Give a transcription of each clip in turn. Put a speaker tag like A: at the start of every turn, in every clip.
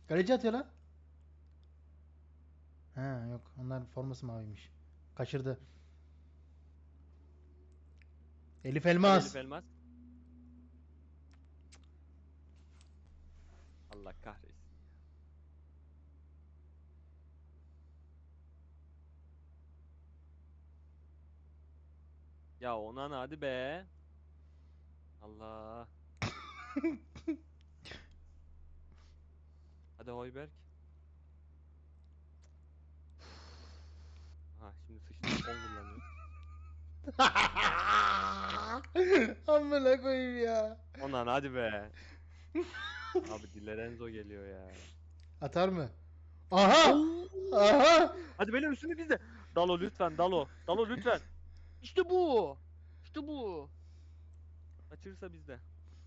A: Kaleci atıyor lan. Ha yok. Onların forması maviymiş. Kaçırdı. Elif
B: Hadi Elif
A: Elmas.
B: Elmas. Allah kahretsin. Ya Onan hadi be. Allah. Hadi Hoiberg. Ha şimdi sıçtık 10 kullanıyor.
A: Amına koyayım ya.
B: Onan hadi be. Abi Di Lorenzo geliyor ya.
A: Atar mı? Aha! Aha!
B: Oo! Hadi böyle üstünü bizde. Dalo lütfen Dalo. Dalo lütfen. İşte bu. İşte bu. Kaçırırsa bizde.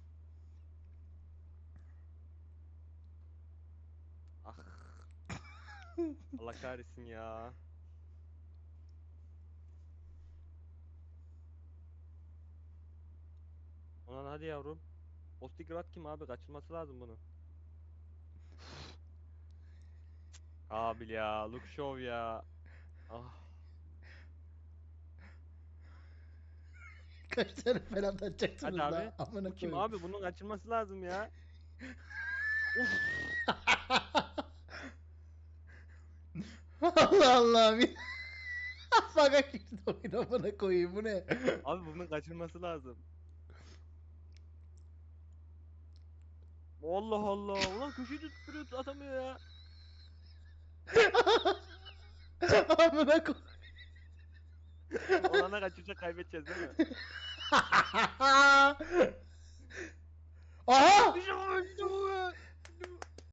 B: Ah. Allah kahretsin ya. Onan hadi yavrum. Ostigrat kim abi? Kaçırması lazım bunu. Abi ya. Look show ya. Ah.
A: Kaç tane falan
B: Hadi
A: atacaksınız
B: abi.
A: la?
B: Bu
A: Amına
B: kim
A: koyayım.
B: abi? Bunun kaçırması lazım ya. Of.
A: Allah Allah. Bir... Faga girdi oyun amına koyayım. Bu ne?
B: Abi bunun kaçırması lazım. Allah Allah. Ulan köşeyi tutturuyor atamıyor ya.
A: Amına koyayım.
B: Olana kaçıracak kaybedeceğiz değil mi?
A: Aha!
B: İşte bu, işte bu.